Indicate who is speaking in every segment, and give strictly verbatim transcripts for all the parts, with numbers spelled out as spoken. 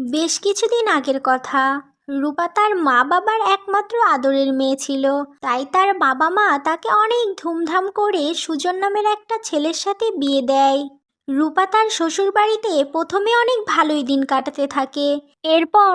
Speaker 1: বেশ কিছুদিন আগের কথা। রূপা তার মা বাবার একমাত্র আদরের মেয়ে ছিল। তাই তার বাবা মা তাকে অনেক ধুমধাম করে সুজন নামের একটা ছেলের সাথে বিয়ে দেয়। রূপা তার শ্বশুর বাড়িতে প্রথমে অনেক ভালোই দিন কাটাতে থাকে। এরপর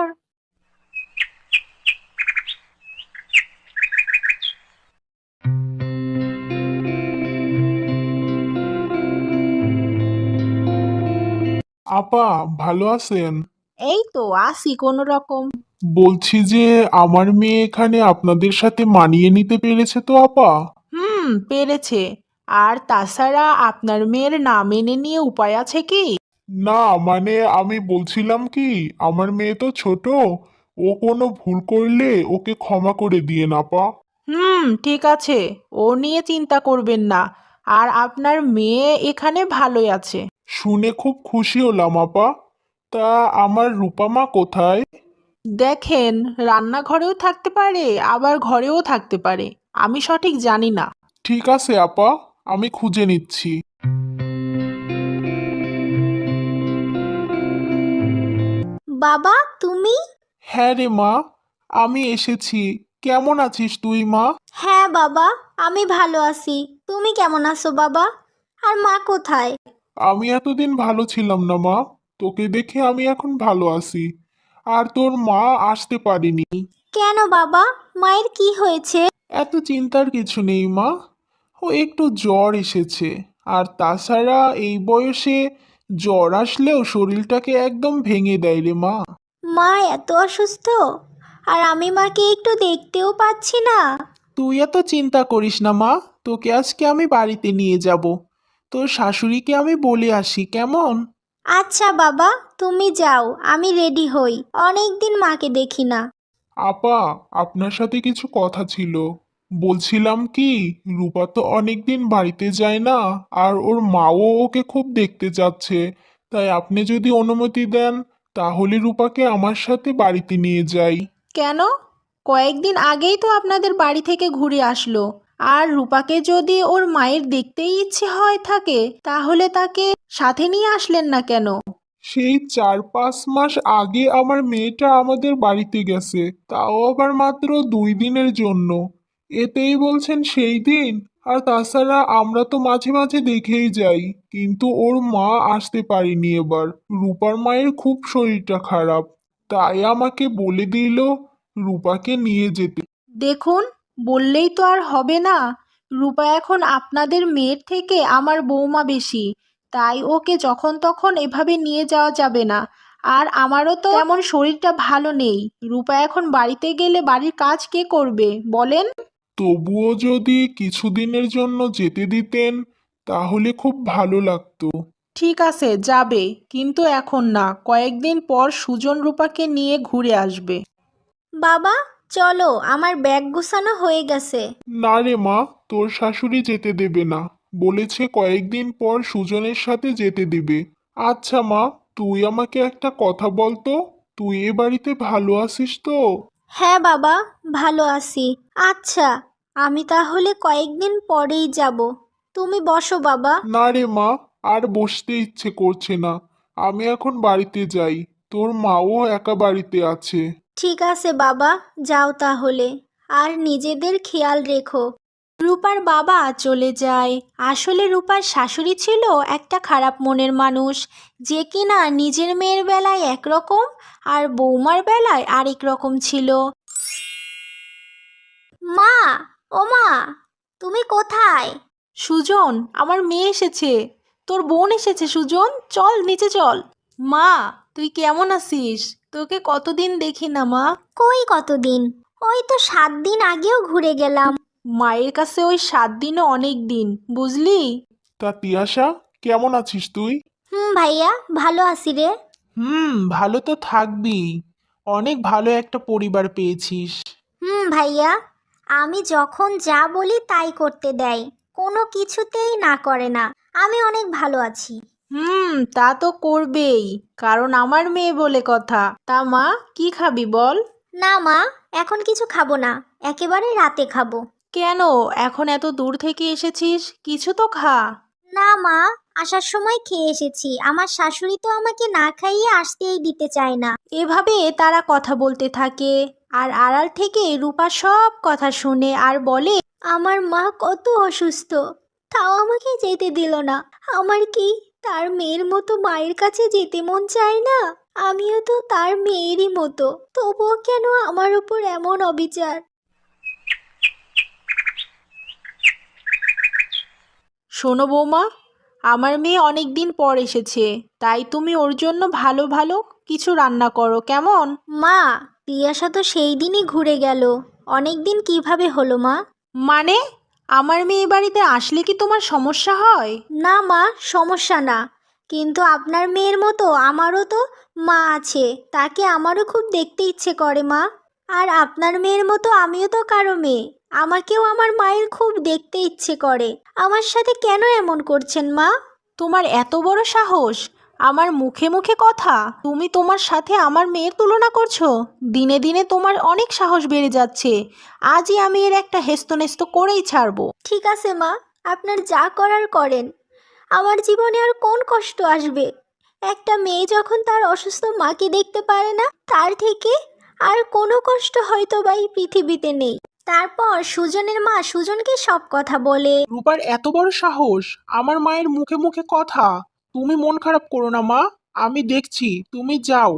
Speaker 2: আপা, ভালো আছেন?
Speaker 3: এই তো আছি কোনো রকম।
Speaker 2: বলছি যে আমার মেয়ে এখানে আপনাদের সাথে মানিয়ে নিতে পেরেছে তো আপা?
Speaker 3: হুম, পেরেছে। আর তাছাড়া আপনার মেয়ের না মেনে নিয়ে উপায় আছে কি?
Speaker 2: না, মানে আমি বলছিলাম কি, আমার মেয়ে তো ছোট, ও কোনো ভুল করলে ওকে ক্ষমা করে দিয়েন আপা।
Speaker 3: হুম, ঠিক আছে। ও নিয়ে চিন্তা করবেন না। আর আপনার মেয়ে এখানে ভালোই আছে।
Speaker 2: শুনে খুব খুশি হলাম আপা। তা আমার রূপা মা কোথায়?
Speaker 3: দেখেন, রান্নাঘরেও থাকতে পারে আবার ঘরেও থাকতে পারে। আমি সঠিক জানি না।
Speaker 2: ঠিক আছে আপা, আমি খুঁজে নিচ্ছি।
Speaker 1: বাবা, তুমি?
Speaker 2: হ্যাঁ রে মা, আমি এসেছি। কেমন আছিস তুই মা?
Speaker 1: হ্যাঁ বাবা, আমি ভালো আছি। তুমি কেমন আছো বাবা? আর মা কোথায়?
Speaker 2: আমি এতদিন ভালো ছিলাম না মা, তোকে দেখে আমি এখন ভালো আছি। আর তোর মা আসতে পারেনি।
Speaker 1: কেন বাবা, মায়ের কি হয়েছে?
Speaker 2: এত চিন্তার কিছু নেই মা, ও একটু জ্বর এসেছে। আর তাছাড়া এই বয়সে জ্বর আসলেও শরীরটাকে একদম ভেঙে দেয় রে মা।
Speaker 1: মা এত অসুস্থ, আর আমি মাকে একটু দেখতেও পাচ্ছি না।
Speaker 3: তুই এত চিন্তা করিস না মা। তোকে আজকে আমি বাড়িতে নিয়ে যাব। তোর শাশুড়িকে আমি বলে আসি, কেমন?
Speaker 1: আচ্ছা বাবা, তুমি যাও, আমি রেডি হই। অনেক দিন মাকে দেখি না।
Speaker 2: আপা, আপনার সাথে কিছু কথা ছিল। বলছিলাম কি, রূপা তো অনেকদিন বাড়িতে যায় না, আর ওর মাও ওকে খুব দেখতে চাচ্ছে। তাই আপনি যদি অনুমতি দেন, তাহলে রূপাকে আমার সাথে বাড়িতে নিয়ে যাই।
Speaker 3: কেন? কয়েকদিন আগেই তো আপনাদের বাড়ি থেকে ঘুরে আসলো। আর রূপাকে যদি ওর মায়ের দেখতেই ইচ্ছে হয় থাকে, তাহলে তাকে সাথে নিয়ে আসলেন না কেন?
Speaker 2: সেই চার পাঁচ মাস আগে আমার মেয়েটা আমাদের বাড়িতে গেছে, তাও আবার মাত্র দুই দিনের জন্য। এতেই বলছেন সেই দিন? আর তাছাড়া আমরা তো মাঝে মাঝে দেখেই যাই, কিন্তু ওর মা আসতে পারেনি এবার। রূপার মায়ের খুব শরীরটা খারাপ, তাই আমাকে বলে দিল রূপাকে নিয়ে যেতে।
Speaker 3: দেখুন, বললেই তো আর হবে না। রূপা এখন আপনাদের মেয়ের থেকে আমার বৌমা বেশি। তাই ওকে যখন তখন এভাবে নিয়ে যাওয়া যাবে না। আর আমারও তো তেমন শরীরটা ভালো নেই। রূপা এখন বাড়িতে গেলে বাড়ির কাজ কে করবে বলেন?
Speaker 2: তবুও যদি কিছুদিনের জন্য যেতে দিতেন, তাহলে খুব ভালো লাগতো।
Speaker 3: ঠিক আছে, যাবে। কিন্তু এখন না, কয়েকদিন পর সুজন রূপাকে নিয়ে ঘুরে আসবে।
Speaker 1: বাবা, চলো, আমার ব্যাগ গুছানো হয়ে গেছে।
Speaker 2: না রে মা, তোর শাশুড়ি যেতে দেবে না। বলেছে কয়েকদিন পর সুজনের সাথে যেতে দেবে। আচ্ছা মা, তুই আমাকে একটা কথা বল তো, তুই এ বাড়িতে ভালো আছিস তো?
Speaker 1: হ্যাঁ বাবা, ভালো আছি। আচ্ছা, আমি তাহলে কয়েকদিন পরেই যাব। তুমি বসো বাবা।
Speaker 2: না রে মা, আর বসতে ইচ্ছে করছে না। আমি এখন বাড়িতে যাই, তোর মাও একা বাড়িতে আছে।
Speaker 1: ঠিক আছে বাবা, যাও তাহলে। আর নিজেদের খেয়াল রেখো। রূপার বাবা চলে যায়। আসলে রূপার শাশুড়ি ছিল একটা খারাপ মনের মানুষ, যে কিনা নিজের মেয়ের বেলায় একরকম আর বৌমার বেলায় আরেক রকম ছিল। মা, ও মা, তুমি কোথায়?
Speaker 3: সুজন, আমার মেয়ে এসেছে। তোর বোন এসেছে সুজন, চল নিচে চল। মা, তুই কেমন আছিস? তোকে কতদিন দেখি না মা।
Speaker 1: কই কতদিন? ওই তো সাত দিন আগেও ঘুরে গেলাম।
Speaker 3: মায়ের কাছে ওই সাত দিনও অনেক দিন, বুঝলি?
Speaker 2: তা তিয়াশা, কেমন আছিস তুই?
Speaker 1: হুম ভাইয়া, ভালো আছি রে।
Speaker 3: হুম, ভালো তো থাকবি। অনেক ভালো একটা পরিবার পেয়েছিস।
Speaker 1: হুম ভাইয়া, আমি যখন যা বলি তাই করতে দেয়, কোনো কিছুতেই না করে না। আমি অনেক ভালো আছি।
Speaker 3: হুম, তা তো করবেই, কারণ আমার মেয়ে বলে কথা। তা মা, কি খাবি বল?
Speaker 1: না মা, এখন কিছু খাবো না, একেবারে রাতে খাবো।
Speaker 3: কেন? এখন এত দূর থেকে এসেছিস, কিছু তো খা।
Speaker 1: না মা, আসার সময় খেয়ে এসেছি। আমার শাশুড়ি তো আমাকে না খাইয়ে আসতেই দিতে চায় না।
Speaker 3: এভাবে তারা কথা বলতে থাকে আর আড়াল থেকে রূপা সব কথা শুনে আর বলে,
Speaker 1: আমার মা কত অসুস্থ, তাও আমাকে যেতে দিল না। আমার কি তার মেয়ের মতো মায়ের কাছে যেতে মন চায় না? আমিও তো তার মেয়েরই মতো, তবুও কেন আমার উপর এমন অবিচার?
Speaker 3: শোনো বৌমা, আমার মেয়ে অনেক দিন পর এসেছে, তাই তুমি ওর জন্য ভালো ভালো কিছু রান্না করো কেমন?
Speaker 1: মা, পিয়াসা তো সেই দিনই ঘুরে গেল। অনেক দিন কিভাবে হলো মা?
Speaker 3: মানে আমার মেয়ে বাড়িতে আসলে কি তোমার সমস্যা হয়?
Speaker 1: না মা, সমস্যা না, কিন্তু আপনার মেয়ের মতো আমারও তো মা আছে, তাকে আমারও খুব দেখতে ইচ্ছে করে মা। আর আপনার মেয়ের মতো আমিও তো কারো মেয়ে, আমাকেও আমার মায়ের খুব দেখতে ইচ্ছে করে। আমার সাথে কেন এমন করছেন মা?
Speaker 3: তোমার এত বড় সাহস, আমার মুখে মুখে কথা! তুমি তোমার সাথে আমার মেয়ের তুলনা করছো? দিনে দিনে তোমার অনেক সাহস বেড়ে যাচ্ছে। আজই আমি এর একটা হেস্তনেস্ত করেই ছাড়বো।
Speaker 1: ঠিক আছে মা, আপনার যা করার করেন। আমার জীবনে আর কোন কষ্ট আসবে? একটা মেয়ে যখন তার অসুস্থ মাকে দেখতে পারে না, তার থেকে আর কোনো কষ্ট হয়তো বা এই পৃথিবীতে নেই। তারপর সুজনের মা সুজনকে সব কথা বলে।
Speaker 2: রূপার এত বড় সাহস, আমার মায়ের মুখে মুখে কথা! তুমি মন খারাপ করো না মা, আমি দেখছি, তুমি যাও।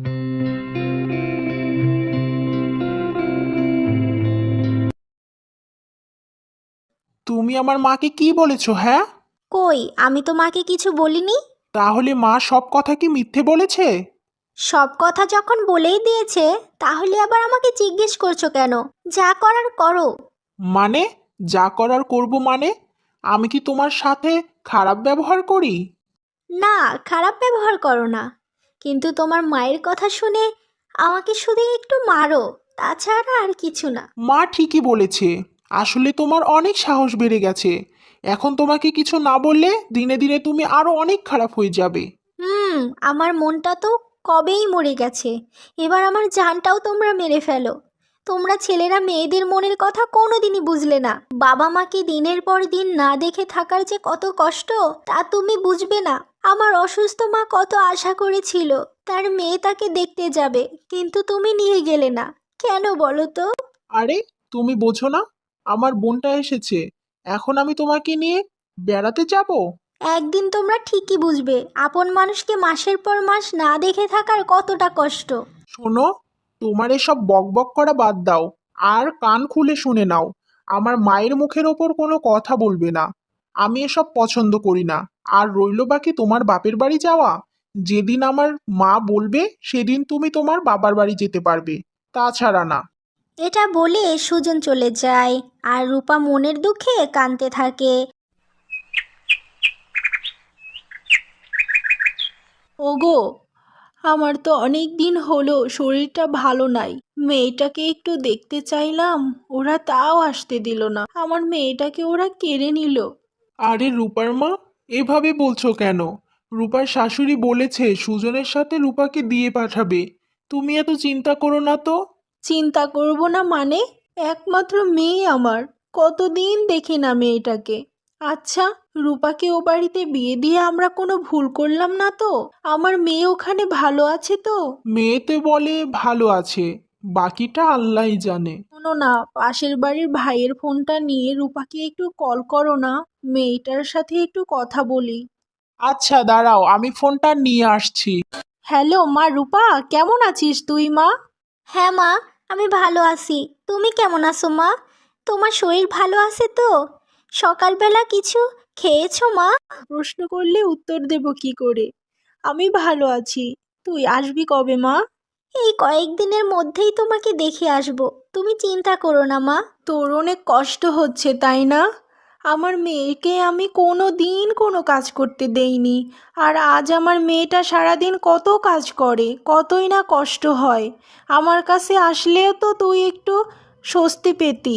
Speaker 2: তুমি আমার মাকে কি বলেছো? হ্যাঁ,
Speaker 1: কই, আমি তো মাকে কিছু বলিনি।
Speaker 2: তাহলে মা সব কথা কি মিথ্যে বলেছে?
Speaker 1: সব কথা যখন বলেই দিয়েছে, তাহলে আবার আমাকে জিজ্ঞেস করছো কেন? যা করার করো।
Speaker 2: মানে যা করার করব মানে? আমি কি তোমার সাথে খারাপ ব্যবহার করি?
Speaker 1: না, খারাপ ব্যবহার করো না, কিন্তু তোমার মায়ের কথা শুনে আমাকে শুধু একটু মারো, তাছাড়া আর কিছু না।
Speaker 2: মা ঠিকই বলেছে, আসলে তোমার অনেক সাহস বেড়ে গেছে। এখন তোমাকে কিছু না বললে দিনে দিনে তুমি আরো অনেক খারাপ হয়ে যাবে।
Speaker 1: হুম, আমার মনটা তো কবেই মরে গেছে, এবার আমার জানটাও তোমরা মেরে ফেলো। তোমরা ছেলেরা মেয়েদের মনের কথা কোনোদিনই বুঝলে না। বাবা মাকে দিনের পর দিন না দেখে থাকার যে কত কষ্ট, তা তুমি বুঝবে না। আমার অসুস্থ মা কত আশা করেছিল তার মেয়ে তাকে দেখতে যাবে, কিন্তু তুমি নিয়ে গেলে না। কেন বলো তো?
Speaker 2: আরে, তুমি বোঝো না, আমার বোনটা এসেছে, এখন আমি তোমাকে নিয়ে বেড়াতে যাব?
Speaker 1: একদিন তোমরা ঠিকই বুঝবে আপন মানুষকে মাসের পর মাস না দেখে থাকার কতটা কষ্ট।
Speaker 2: শোনো, তোমার এসব বকবক করা বাদ দাও, আর কান খুলে শুনে নাও। আমার মায়ের মুখের ওপর কোনো কথা বলবে না, আমি এসব পছন্দ করি না। আর রইলো বাকি তোমার বাপের বাড়ি যাওয়া, যেদিন আমার মা বলবে সেদিন তুমি তোমার বাবার বাড়ি যেতে পারবে, তাছাড়া না।
Speaker 1: এটা বলে সুজন চলে যায় আর রূপা মনের দুঃখে কাঁদতে থাকে।
Speaker 3: ওগো, আমার তো অনেক দিন হলো শরীরটা ভালো নাই। মেয়েটাকে একটু দেখতে চাইলাম, ওরা তাও আসতে দিল না। আমার মেয়েটাকে ওরা কেড়ে নিল।
Speaker 2: আরে রূপার মা, এভাবে বলছো কেন? রূপার শাশুড়ি বলেছে সুজনের সাথে রূপাকে দিয়ে পাঠাবে, তুমি এত চিন্তা করো না তো।
Speaker 3: চিন্তা করব না মানে? একমাত্র মেয়ে আমার, কতদিন দেখি না মেয়েটাকে। আচ্ছা, রূপাকে ও বাড়িতে বিয়ে দিয়ে আমরা কোনো ভুল করলাম না তো? আমার মেয়ে ওখানে ভালো আছে তো?
Speaker 2: মেয়েতে বলে ভালো আছে, বাকিটা আল্লাহই জানে।
Speaker 3: শোনো না, পাশের বাড়ির ভাইয়ের ফোনটা নিয়ে রূপাকে একটু কল করো না, মেয়েটার সাথে একটু কথা বলি।
Speaker 2: আচ্ছা দাঁড়াও, আমি ফোনটা নিয়ে আসছি।
Speaker 3: হ্যালো মা রূপা, কেমন আছিস তুই মা?
Speaker 1: হ্যাঁ মা, আমি ভালো আছি। তুমি কেমন আছো মা? তোমার শরীর ভালো আছে তো? সকালবেলা কিছু খেয়েছো মা?
Speaker 3: প্রশ্ন করলে উত্তর দেব কি করে? আমি ভালো আছি। তুই আসবি কবে মা?
Speaker 1: এই কয়েকদিনের মধ্যেই তোমাকে দেখে আসবো, তুমি চিন্তা করো না মা।
Speaker 3: তোর অনেক কষ্ট হচ্ছে তাই না? আমার মেয়েকে আমি কোনো দিন কোনো কাজ করতে দেইনি, আর আজ আমার মেয়েটা সারাদিন কত কাজ করে, কতই না কষ্ট হয়। আমার কাছে আসলেও তো তুই একটু স্বস্তি পেতি।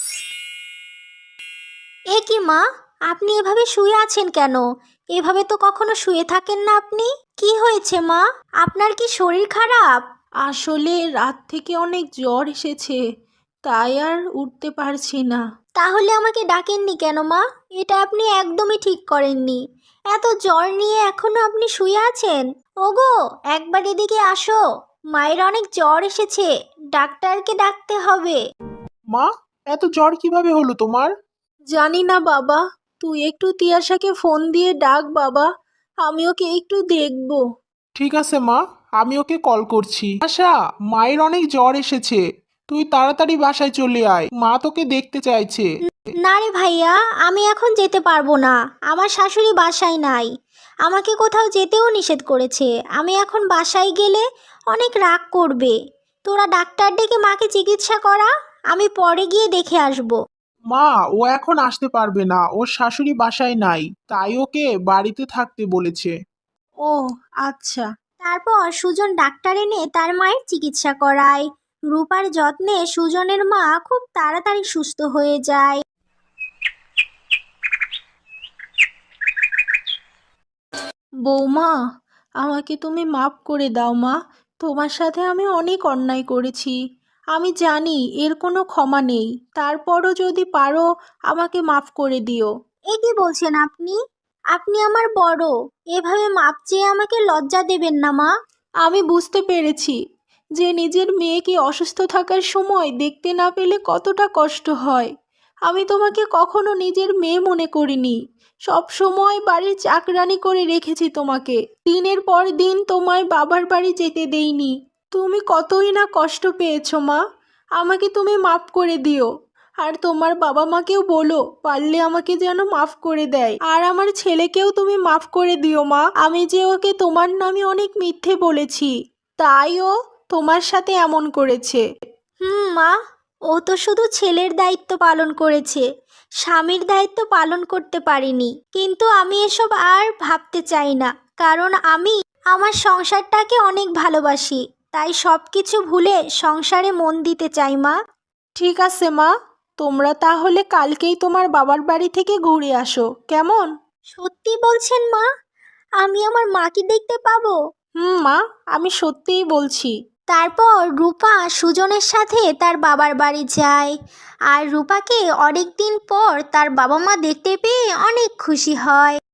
Speaker 1: এ কি মা, আপনি এভাবে শুয়ে আছেন কেন? এভাবে তো কখনো শুয়ে থাকেন না আপনি। কি হয়েছে মা? আপনার কি শরীর খারাপ?
Speaker 3: আসলে রাত থেকে অনেক জ্বর এসেছে, তাই আর উঠতে পারছি না।
Speaker 1: তাহলে আমাকে ডাকেননি কেন মা? এটা আপনি একদমই ঠিক করেননি। এত জ্বর নিয়ে এখনো আপনি শুয়ে আছেন? ওগো, একবার এদিকে আসো। মায়ের অনেক জ্বর এসেছে, ডাক্তারকে ডাকতে হবে।
Speaker 4: মা, এত জ্বর কিভাবে হলো তোমার?
Speaker 3: জানি না বাবা, তুই একটু তিয়াশাকে ফোন দিয়ে ডাক বাবা, আমি ওকে একটু দেখব।
Speaker 4: ঠিক আছে মা, আমি ওকে কল করছি। আশা, মায়ের অনেক জ্বর এসেছে, তুই তাড়াতাড়ি বাসায় চলে আয়, মা তোকে দেখতে চাইছে।
Speaker 1: না রে ভাইয়া, আমি এখন যেতে পারবো না। আমার শাশুড়ি বাসায় নাই, আমাকে কোথাও যেতেও নিষেধ করেছে। আমি এখন বাসায় গেলে অনেক রাগ করবে। তোরা ডাক্তার ডেকে মাকে চিকিৎসা করা, আমি পরে গিয়ে দেখে আসবো।
Speaker 4: মা, ও এখন আসতে পারবে না, ওর শাশুড়ি বাসায় নাই, তাই ওকে বাড়িতে থাকতে বলেছে।
Speaker 3: ও আচ্ছা।
Speaker 1: তারপর সুজন ডাক্তার এনে তার মায়ের চিকিৎসা করায়। রূপার যত্নে সুজনের মা খুব তাড়াতাড়ি সুস্থ হয়ে যায়।
Speaker 3: বৌমা, আমাকে তুমি মাফ করে দাও মা, তোমার সাথে আমি অনেক অন্যায় করেছি। আমি জানি এর কোনো ক্ষমা নেই, তারপরও যদি পারো আমাকে মাফ করে দিও।
Speaker 1: এ কি বলছেন আপনি? আপনি আমার বড়, এভাবে মাপ চেয়ে আমাকে লজ্জা দেবেন না মা।
Speaker 3: আমি বুঝতে পেরেছি যে নিজের মেয়েকে অসুস্থ থাকার সময় দেখতে না পেলে কতটা কষ্ট হয়। আমি তোমাকে কখনো নিজের মেয়ে মনে করিনি, সব সময় বাড়ির চাকরানি করে রেখেছি তোমাকে। দিনের পর দিন তোমায় বাবার বাড়ি যেতে দেইনি। তুমি কতই না কষ্ট পেয়েছো মা, আমাকে তুমি মাফ করে দিও। আর তোমার বাবা মাকেও বলো পারলে আমাকে যেন মাফ করে দেয়। আর আমার ছেলেকেও তুমি মাফ করে দিও মা, আমি যে ওকে তোমার নামে অনেক মিথ্যে বলেছি, তাই ও তোমার সাথে এমন করেছে।
Speaker 1: হুম মা, ও তো শুধু ছেলের দায়িত্ব পালন করেছে, স্বামীর দায়িত্ব পালন করতে পারিনি। কিন্তু আমি এসব আর ভাবতে চাই না, কারণ আমি আমার সংসারটাকে অনেক ভালোবাসি। তাই সব কিছু ভুলে সংসারে মন দিতে চাই মা।
Speaker 3: ঠিক আছে মা, তোমরা তাহলে কালকেই তোমার বাবার বাড়ি থেকে ঘুরে আসো, কেমন?
Speaker 1: সত্যি বলছেন মা? আমি আমার মাকে দেখতে পাবো?
Speaker 3: হুম মা, আমি সত্যিই বলছি।
Speaker 1: তারপর রূপা সুজনের সাথে তার বাবার বাড়ি যায়। আর রূপাকে অনেক দিন পর তার বাবা মা দেখতে পেয়ে অনেক খুশি হয়।